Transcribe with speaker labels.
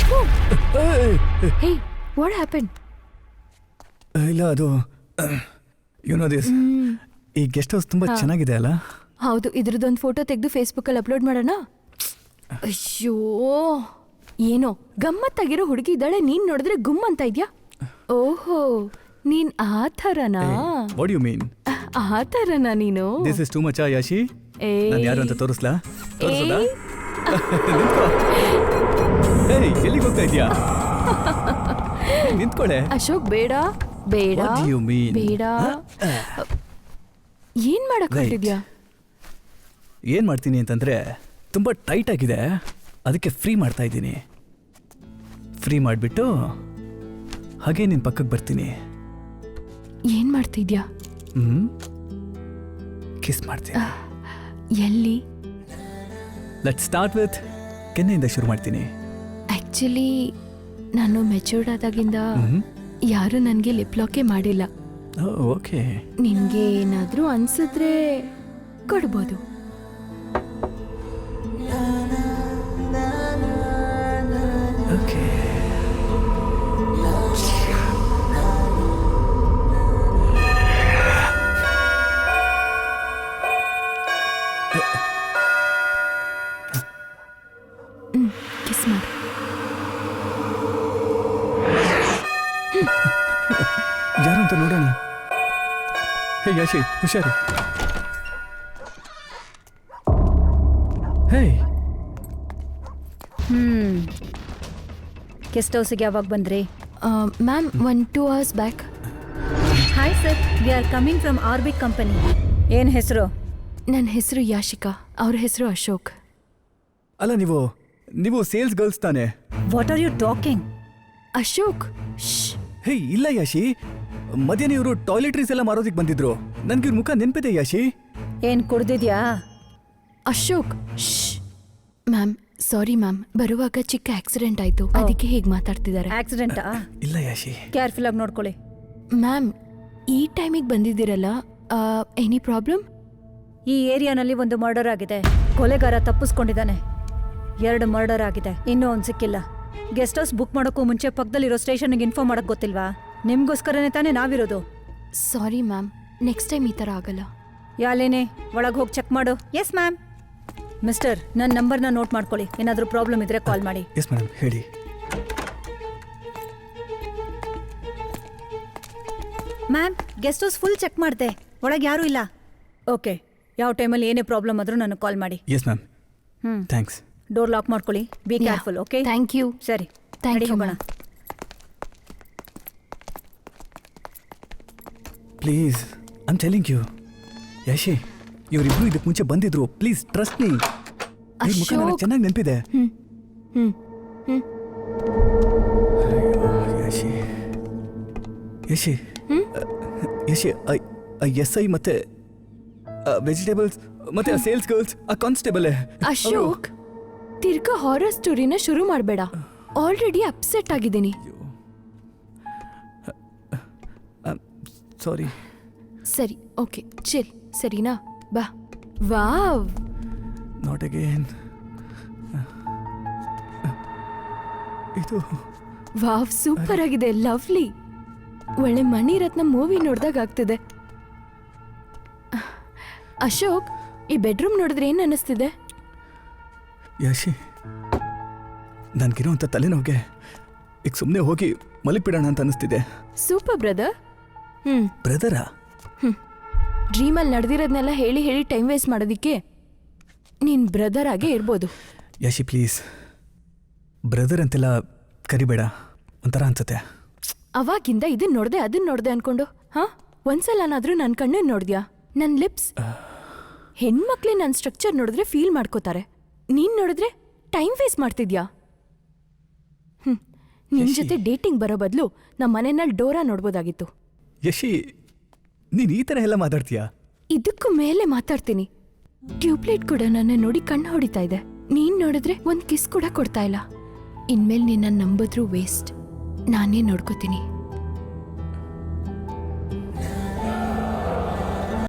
Speaker 1: Hey what happen?
Speaker 2: ಇಲ್ಲ ಅದು you know this, ಈ ಗೆಸ್ಟ್ ಹೌಸ್ ತುಂಬಾ ಚೆನ್ನಾಗಿದೆ ಅಲ್ಲ?
Speaker 1: ಹೌದು, ಇದ್ರದ್ದೊಂದು ಫೋಟೋ ತೆಗೆದು ಫೇಸ್ಬುಕ್ಕಲ್ಲಿ ಅಪ್ಲೋಡ್ ಮಾಡೋಣ. ಅಯ್ಯೋ, ಏನೋ ಗಮ್ಮತ್ತಾಗಿರೋ ಹುಡುಗಿ ಇದ್ದಾಳೆ, ನೀನ್ ನೋಡಿದ್ರೆ ಗುಮ್ ಅಂತ ಇದ್ಯಾ? ಓಹೋ, ನೀನ್ ಆ ಥರನಾ?
Speaker 2: What you mean?
Speaker 1: ಆ ಥರನಾ ನೀನು?
Speaker 2: This is too much Yashi. ನಾನು ಯಾರು ಅಂತ ತೋರಿಸ್ಲಾ? ಎಲ್ಲಿಗೆ ಹೋಗ್ತಾ ಇದೀಯಾ? ನಿಂತ್ಕೊಳ್ಳೆ.
Speaker 1: ಅಶೋಕ್ ಬೇಡ ಬೇಡ ಬೇಡ. ಏನ್ ಮಾಡಕ್ ಹೊರಟಿದ್ಯಾ?
Speaker 2: ಏನ್ ಮಾಡ್ತೀನಿ ಅಂತಂದ್ರೆ ತುಂಬಾ ಟೈಟ್ ಆಗಿದೆ, ಅದಕ್ಕೆ ಫ್ರೀ ಮಾಡ್ತಾ ಇದ್ದೀನಿ. ಫ್ರೀ ಮಾಡಿಬಿಟ್ಟು ಹಾಗೆ ನಿನ್ ಪಕ್ಕಕ್ಕೆ ಬರ್ತೀನಿ.
Speaker 1: ಏನ್ ಮಾಡ್ತಿದ್ಯಾ?
Speaker 2: ಕಿಸ್ ಮಾಡ್ತೀನಿ.
Speaker 1: ಎಲ್ಲಿ?
Speaker 2: ಲೆಟ್ಸ್ ಸ್ಟಾರ್ಟ್ ವಿತ್ ಕೆನ್ನೆಯಿಂದ ಶುರು ಮಾಡ್ತೀನಿ.
Speaker 1: ಆಕ್ಚುಲಿ ನಾನು ಮೆಚೂರ್ಡ್ ಆದಾಗಿಂದ ಯಾರು ನನಗೆ ಲಿಪ್ ಲಾಕೇ ಮಾಡಿಲ್ಲ.
Speaker 2: ಓಕೆ,
Speaker 1: ನಿನ್ಗೆ ಏನಾದ್ರೂ ಅನ್ಸಿದ್ರೆ ಕೊಡ್ಬೋದು.
Speaker 2: ಓಕೆ.
Speaker 1: ಕಿಸ್ ಮಾಡು.
Speaker 2: ಯಾರು ಅಂತ ನೋಡೋಣ. ಹೇ ಯಾಶಿ, ಹುಷಾರು. ಹೇ,
Speaker 3: ಗೆಸ್ಟ್ ಹೌಸಿಗೆ ಯಾವಾಗ ಬಂದ್ರಿ?
Speaker 1: Ma'am 1-2 hours back.
Speaker 3: Hi sir, we are coming from Arbic company. ಏನು ಹೆಸರು?
Speaker 1: ನನ್ನ ಹೆಸರು ಯಾಶಿಕಾ, ಅವ್ರ ಹೆಸರು ಅಶೋಕ್.
Speaker 2: ಅಲ್ಲ ನೀವು ಸೇಲ್ಸ್ ಗರ್ಲ್ಸ್ ತಾನೆ?
Speaker 3: What are you talking?
Speaker 1: Ashok,
Speaker 2: hey ಇಲ್ಲ ಯಾಶಿ, ಮಧ್ಯಾಹ್ನ ಇವರು ಟಾಯ್ಲೆಟ್ರೀಸ್ ಎಲ್ಲ ಮಾರೋದಿಕ್ ಬಂದಿದ್ರು. ನನ್ಗೆ ಇವ್ರ ಮುಖ ನೆನ್ಪಿದೆ ಯಾಶಿ.
Speaker 3: ಏನ್ ಕುಡ್ದಿದ್ಯಾ?
Speaker 1: ಅಶೋಕ್, ಮ್ಯಾಮ್ ಸಾರಿ ಮ್ಯಾಮ್, ಬರುವಾಗ ಚಿಕ್ಕ ಆಕ್ಸಿಡೆಂಟ್ ಆಯ್ತು, ಅದಕ್ಕೆ ಹೀಗೆ ಮಾತಾಡ್ತಿದ್ದಾರೆ.
Speaker 3: ಆಕ್ಸಿಡೆಂಟಾ?
Speaker 2: ಇಲ್ಲ ಯಾಶಿ.
Speaker 3: ಕೇರ್ಫುಲ್ ಆಗಿ ನೋಡ್ಕೊಳ್ಳಿ.
Speaker 1: ಮ್ಯಾಮ್, ಈ ಟೈಮಿಗೆ ಬಂದಿದ್ದೀರಲ್ಲ, ಎನಿ ಪ್ರಾಬ್ಲಮ್?
Speaker 3: ಈ ಏರಿಯಾನಲ್ಲಿ ಒಂದು ಮರ್ಡರ್ ಆಗಿದೆ, ಕೊಲೆಗಾರ ತಪ್ಪಿಸ್ಕೊಂಡಿದ್ದಾನೆ. 2 ಮರ್ಡರ್ ಆಗಿದೆ, ಇನ್ನೂ ಒಂದು ಸಿಕ್ಕಿಲ್ಲ. ಗೆಸ್ಟ್ ಹೌಸ್ ಬುಕ್ ಮಾಡೋಕ್ಕೂ ಮುಂಚೆ ಪಕ್ಕದಲ್ಲಿರೋ ಸ್ಟೇಷನ್ಗೆ ಇನ್ಫಾರ್ಮ್ ಮಾಡಕ್ ಗೊತ್ತಿಲ್ವಾ? ನಿಮ್ಗೋಸ್ಕರನೇ ತಾನೇ ನಾವಿರೋದು.
Speaker 1: ಸಾರಿ ಮ್ಯಾಮ್, ನೆಕ್ಸ್ಟ್ ಟೈಮ್ ಈ ಥರ ಆಗಲ್ಲ.
Speaker 3: ಯಾಲೇನೆ, ಒಳಗೆ ಹೋಗಿ ಚೆಕ್ ಮಾಡು. Yes ma'am. ಮಿಸ್ಟರ್, ನನ್ನ ನಂಬರ್ನ ನೋಟ್ ಮಾಡ್ಕೊಳ್ಳಿ, ಏನಾದರೂ ಪ್ರಾಬ್ಲಮ್ ಇದ್ರೆ ಕಾಲ್ ಮಾಡಿ.
Speaker 2: ಎಸ್ ಮೇಡಮ್, ಹೇಳಿ.
Speaker 3: Ma'am, guest house full check ಮಾಡಿದೆ, ಒಳಗೆ ಯಾರೂ ಇಲ್ಲ. ಓಕೆ, ಯಾವ ಟೈಮಲ್ಲಿ ಏನೇ ಪ್ರಾಬ್ಲಮ್ ಆದರೂ ನನಗೆ ಕಾಲ್ ಮಾಡಿ.
Speaker 2: Yes ma'am. Thanks.
Speaker 3: Door lock ಮಾಡ್ಕೊಳ್ಳಿ. Be careful. Okay,
Speaker 1: thank you.
Speaker 3: ಸರಿ,
Speaker 1: ಥ್ಯಾಂಕ್ ಯು.
Speaker 3: ಹೋಗೋಣ.
Speaker 2: Please, I am telling you. Yashi, ಇವರಿಬ್ರು ಇದಕ್ಕೆ ಮುಂಚೆ ಬಂದಿದ್ರು. Please trust me. ಈ ಮುಖ ನನಗೆ ಚೆನ್ನಾಗಿ ನೆನಪಿದೆ. ಯಾಶಿ ಯಾಶಿ ಯಾಶಿ, ಎಸ್ ಐ ಮತ್ತೆ ವೆಜಿಟೇಬಲ್ಸ್ ಮತ್ತೆ ಸೇಲ್ಸ್ ಗರ್ಲ್ಸ್, ಆ ಕಾನ್ಸ್ಟೇಬಲ್.
Speaker 1: ಅಶೋಕ್, ತಿರ್ಗಾ ಹಾರರ್ ಸ್ಟೋರಿನ ಶುರು ಮಾಡಬೇಡ. ಆಲ್ರೆಡಿ ಅಪ್ಸೆಟ್ ಆಗಿದ್ದೀನಿ.
Speaker 2: ಸಾರಿ.
Speaker 1: ಸರಿ, ಓಕೆ, ಚಿಲ್, ಸರಿನಾ? ಬಾ. Wow,
Speaker 2: not again. ಇದು
Speaker 1: ವಾವ್, ಸೂಪರ್ ಆಗಿದೆ, ಲವ್ಲಿ. ಒಳ್ಳೆ ಮಣಿರತ್ನ ಮೂವಿ ನೋಡ್ದಾಗ ಆಗ್ತಿದೆ. ಅಶೋಕ್, ಈ ಬೆಡ್ರೂಮ್ ನೋಡಿದ್ರೆ ಏನ್ ಅನಿಸ್ತಿದೆ?
Speaker 2: ಯಾಶಿ, ನನ್ಗಿರೋ ಅಂತ ತಲೆನೋವಿಗೆ ಈಗ ಸುಮ್ಮನೆ ಹೋಗಿ ಮಲಗಿಬಿಡೋಣ ಅಂತ ಅನಿಸ್ತಿದೆ.
Speaker 1: Super brother.
Speaker 2: ಬ್ರದರಾ?
Speaker 1: ಡ್ರೀಮಲ್ಲಿ ನಡೆದಿರೋದನ್ನೆಲ್ಲ ಹೇಳಿ ಹೇಳಿ ಟೈಮ್ ವೇಸ್ಟ್ ಮಾಡೋದಿಕ್ಕೆ ನೀನ್ ಬ್ರದರ್ ಆಗೇ ಇರ್ಬೋದು.
Speaker 2: ಯಾಶಿ ಪ್ಲೀಸ್, ಬ್ರದರ್ ಅಂತೆಲ್ಲ ಕರಿಬೇಡ, ಒಂಥರ ಅನ್ಸುತ್ತೆ.
Speaker 1: ಅವಾಗಿಂದ ಇದನ್ನ ನೋಡ್ದೆ ಅದನ್ನ ನೋಡ್ದೆ ಅನ್ಕೊಂಡು ಒಂದ್ಸಲನಾದ್ರೂ ನನ್ನ ಕಣ್ಣನ್ನು ನೋಡ್ದ್ಯಾ? ನನ್ನ ಲಿಪ್ಸ್? ಹೆಣ್ಮಕ್ಳೇ ನನ್ನ ಸ್ಟ್ರಕ್ಚರ್ ನೋಡಿದ್ರೆ ಫೀಲ್ ಮಾಡ್ಕೋತಾರೆ, ನೀನ್ ನೋಡಿದ್ರೆ ಟೈಮ್ ವೇಸ್ಟ್ ಮಾಡ್ತಿದ್ಯಾ? ನಿನ್ ಜೊತೆ ಡೇಟಿಂಗ್ ಬರೋ ಬದಲು ನಮ್ಮ ಮನೆಯಲ್ಲಿ ಡೋರಾ ನೋಡ್ಬೋದಾಗಿತ್ತು.
Speaker 2: ಯಶಿ, ನೀನ್ ಈ ತರ ಎಲ್ಲ ಮಾತಾಡ್ತೀಯಾ?
Speaker 1: ಇದಕ್ಕೂ ಮೇಲೆ ಮಾತಾಡ್ತೀನಿ. ಟ್ಯೂಬ್ಲೈಟ್ ಕೂಡ ನನ್ನ ನೋಡಿ ಕಣ್ಣು ಹೊಡಿತಾ ಇದೆ. ನೀನ್ ನೋಡಿದ್ರೆ ಒಂದ್ ಕಿಸ್ ಕೂಡ ಕೊಡ್ತಾ ಇಲ್ಲ. ಇನ್ಮೇಲೆ ನಿನ್ನ ನಂಬಿದ್ರೂ ವೇಸ್ಟ್. ನಾನೇ ನೋಡ್ಕೋತೀನಿ.